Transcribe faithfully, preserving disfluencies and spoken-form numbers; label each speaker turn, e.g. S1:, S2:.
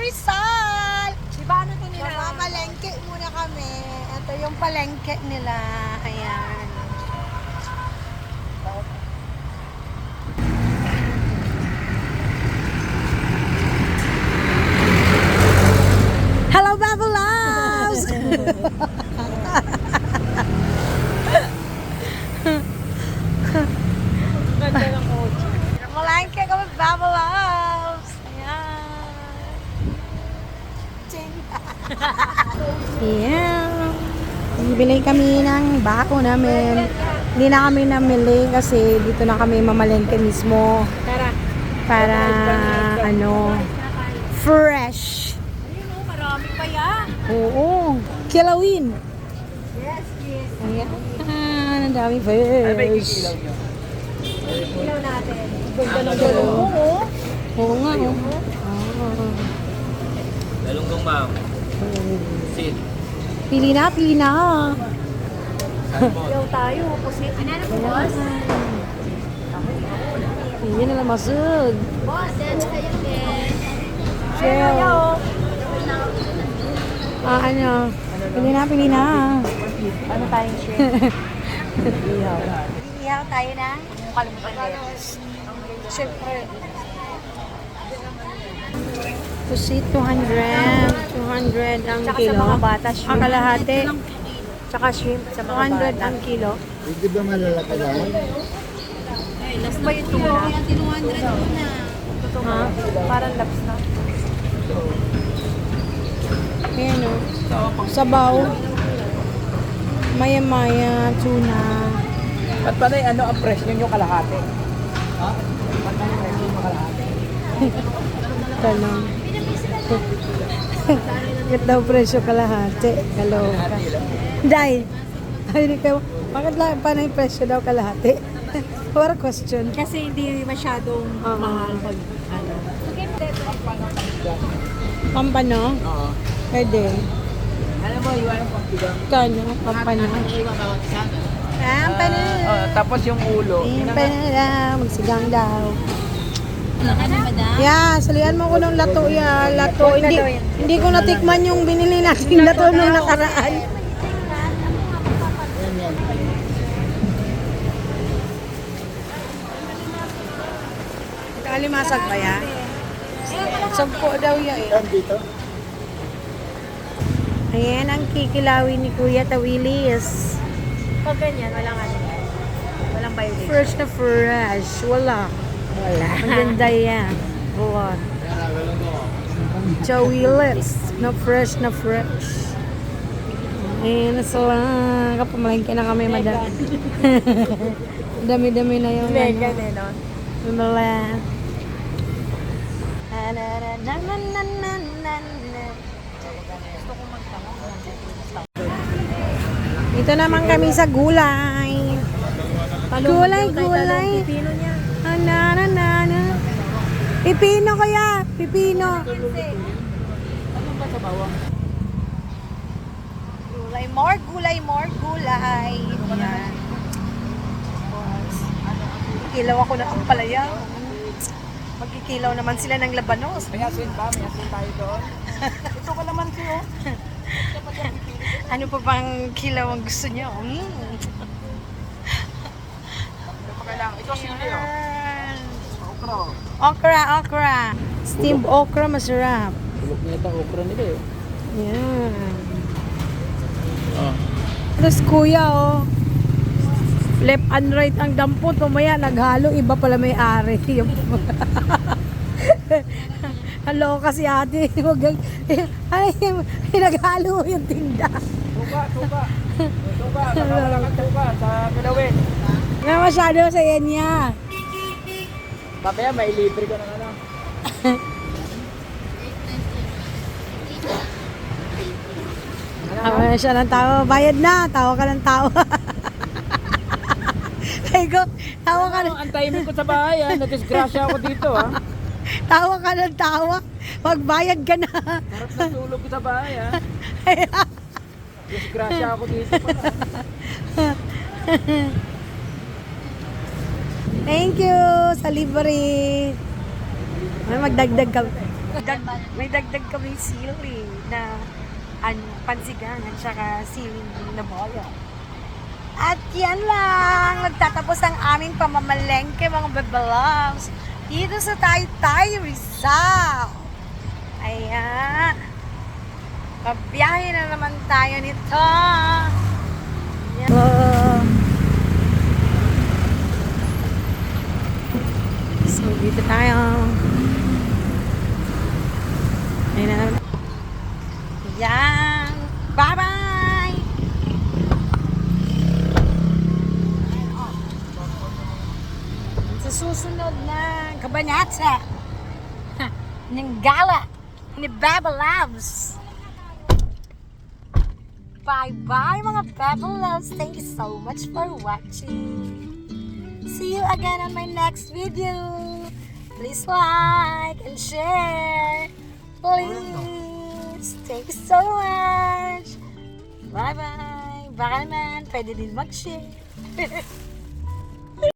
S1: Rizal!
S2: Diba ano to nila?
S1: Mamamalengke muna kami. Ito yung palengke nila. Ayan. Hello, Bubble Loves!
S2: Ganda ng kotse.
S1: Malengke kami, Bubble Loves! Ayan. Ching! Yeah. Bibili kami ng bako namin. Hindi na kami namili kasi dito na kami mamalengke mismo.
S2: Tara.
S1: Para ano, fresh.
S2: Ayun o, marami pa yan.
S1: Oo. Kilawin.
S2: Yes, yes.
S1: Ayan. Ah, ang daming fish.
S2: Ilaw natin. Ganda ng galong mo.
S1: Oo nga. Oh.
S3: Galunggong ma'am. Sit.
S1: Pili na, pili na.
S2: Ilaw tayo. Pusit. Ano na po, boss?
S1: Ayan na lang masud.
S2: Boss, that's kayo din.
S1: Chill. Ah, ano? Pili na, pili na.
S2: Ano tayong shrimp?
S1: Ihaw.
S2: Ihaw tayo na. Kalimutan din.
S1: Siyempre. Pusit, two hundred. two hundred ang
S2: Tsaka
S1: kilo.
S2: sa mga bata, shrimp.
S1: Ang kalahati.
S2: Tsaka shrimp sa
S1: two
S2: mga
S1: hundred
S2: bata.
S1: ang kilo.
S4: Hindi ba malalaki lang?
S2: Ano ba yung tuna?
S1: Ha?
S2: Parang labs na.
S1: Ayan o. Sabaw. Maya-maya, tuna.
S3: At panay, ano ang presyo nyo kalahati? Ha? Panay ang presyo nyo kalahati?
S1: Tanong. Bakit daw presyo kalahati? Kaloka. Day. Ay, di kayo. Bakit lang paano yung presyo daw kalahati? What a question.
S2: Kasi hindi masyadong
S1: Oo.
S2: mahal pag ano.
S1: Pampano?
S3: Oo.
S1: Pwede.
S3: Alam mo, iwan ang pagbigang.
S1: Kano? Pampano? Pampano.
S3: Uh, tapos yung ulo.
S1: Pampano daw. Magsigang daw. Yeah, salihan mo ko ng lato ya, lato. Hindi, hindi ko natikman yung binili natin lato nung nakaraan. Kalimasag ba ya? Sampo daw ya eh.
S4: Dito?
S1: Ayan ang kikilawin ni Kuya Tawilis.
S2: Pag ganyan, walang ano. Walang violation.
S1: Fresh na fresh. Wala.
S2: Wala.
S1: Ang ganda yan. Wala. Tawilis. Na fresh na fresh. Ayan na sila. Kapamalengke na kami, madam. Dami-dami na yung
S2: Mega
S1: ano.
S2: din, no?
S1: Wala. Ito naman kami sa gulay. Gulay, gulay.
S2: Pipino niya.
S1: Ana, na, na, na. Pipino kaya, pipino.
S3: Ano ba sa bawang?
S1: Gulay, more gulay, more gulay. Yan. Kilaw ako ng ampalaya. Magkikilaw naman sila ng labanos.
S3: May asin ba? May asin tayo doon? Ito ka naman siyo.
S1: Ano pa bang kilaw ang gusto niyo? Mm.
S3: Ito pa kailangan. Ito sili oh. Okra oh.
S1: Okra, okra. Steamed okra, masarap.
S3: Tulog na ito okra nila eh.
S1: Yan.
S3: Oh.
S1: Tapos kuya, oh. Left and right ang dampot. Tumaya, naghalo. Iba pala may ari. Hello kasi ate. Huwag ang... Ay, naghalo yung tinda.
S3: Tuka, tuka. Tuka, nakakalakan tuka sa Pilawin.
S1: Nga masyado sa yan niya.
S3: Papaya, may libre ko ng ano.
S1: Tawa na siya ng tawa. Bayad na. Tawa ka ng tawa. Ay ko, tawa ka
S3: Ano,
S1: ng...
S3: antayin mo ko sa bahay ah. Nadisgrasya ako dito ah.
S1: Tawa ka ng tawa. Magbayad ka na.
S3: Harap na tulog ko sa bahay ah. Disgrasya ako dito pa.
S1: Thank you sa libre. Ay, magdagdag ka. Dag, may dagdag kami sili na ano, pansigang at saka sili na boyo. At yan lang, nagtatapos ang aming pamamalengke mga bebelams dito sa Taytay, Rizal. Ayan. Pabiyahe na naman tayo nito. Ayan. Oh. So, dito tayo. Ayan na. Ayan. Bye-bye! Sa susunod na kabanata ng gala ni Beba Loves. Bye-bye mga Beba Loves. Thank you so much for watching. See you again on my next video. Please like and share. Please. Thank you so much. Bye-bye. Baka naman, pwede din mag-share.